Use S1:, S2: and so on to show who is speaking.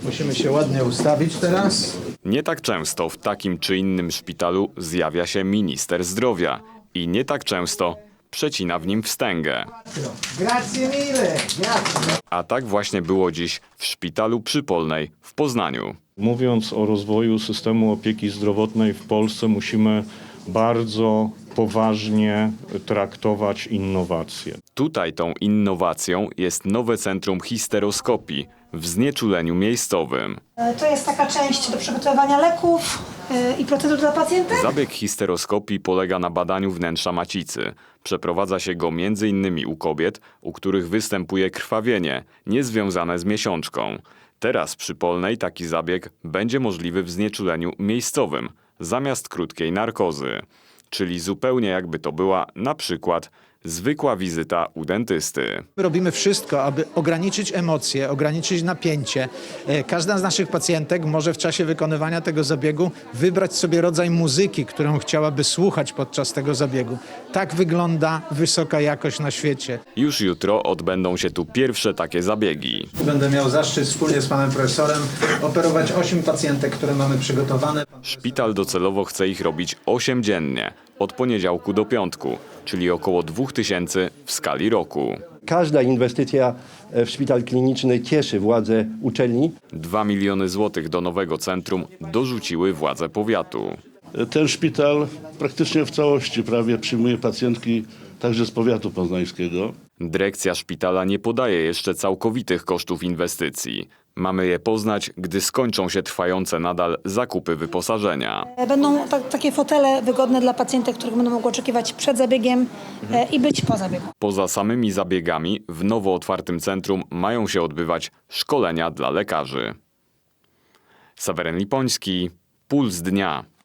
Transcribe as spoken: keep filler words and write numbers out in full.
S1: Musimy się ładnie ustawić teraz.
S2: Nie tak często w takim czy innym szpitalu zjawia się minister zdrowia i nie tak często przecina w nim wstęgę.
S1: Grazie mille, grazie.
S2: A tak właśnie było dziś w szpitalu Przypolnej w Poznaniu.
S3: Mówiąc o rozwoju systemu opieki zdrowotnej w Polsce, musimy bardzo poważnie traktować innowacje.
S2: Tutaj tą innowacją jest nowe centrum histeroskopii w znieczuleniu miejscowym.
S4: To jest taka część do przygotowywania leków i procedur dla pacjenta.
S2: Zabieg histeroskopii polega na badaniu wnętrza macicy. Przeprowadza się go między innymi u kobiet, u których występuje krwawienie niezwiązane z miesiączką. Teraz przy Polnej taki zabieg będzie możliwy w znieczuleniu miejscowym, zamiast krótkiej narkozy. Czyli zupełnie jakby to była na przykład zwykła wizyta u dentysty.
S1: Robimy wszystko, aby ograniczyć emocje, ograniczyć napięcie. E, Każda z naszych pacjentek może w czasie wykonywania tego zabiegu wybrać sobie rodzaj muzyki, którą chciałaby słuchać podczas tego zabiegu. Tak wygląda wysoka jakość na świecie.
S2: Już jutro odbędą się tu pierwsze takie zabiegi.
S1: Będę miał zaszczyt wspólnie z panem profesorem operować osiem pacjentek, które mamy przygotowane.
S2: Szpital docelowo chce ich robić osiem dziennie, od poniedziałku do piątku, czyli około dwóch tysięcy w skali roku.
S5: Każda inwestycja w szpital kliniczny cieszy władze uczelni.
S2: Dwa miliony złotych do nowego centrum dorzuciły władze powiatu.
S6: Ten szpital praktycznie w całości prawie przyjmuje pacjentki także z powiatu poznańskiego.
S2: Dyrekcja szpitala nie podaje jeszcze całkowitych kosztów inwestycji. Mamy je poznać, gdy skończą się trwające nadal zakupy wyposażenia.
S4: Będą ta, takie fotele wygodne dla pacjentek, których będą mogły oczekiwać przed zabiegiem e, i być po zabiegu.
S2: Poza samymi zabiegami w nowo otwartym centrum mają się odbywać szkolenia dla lekarzy. Seweryn Lipoński, Puls Dnia.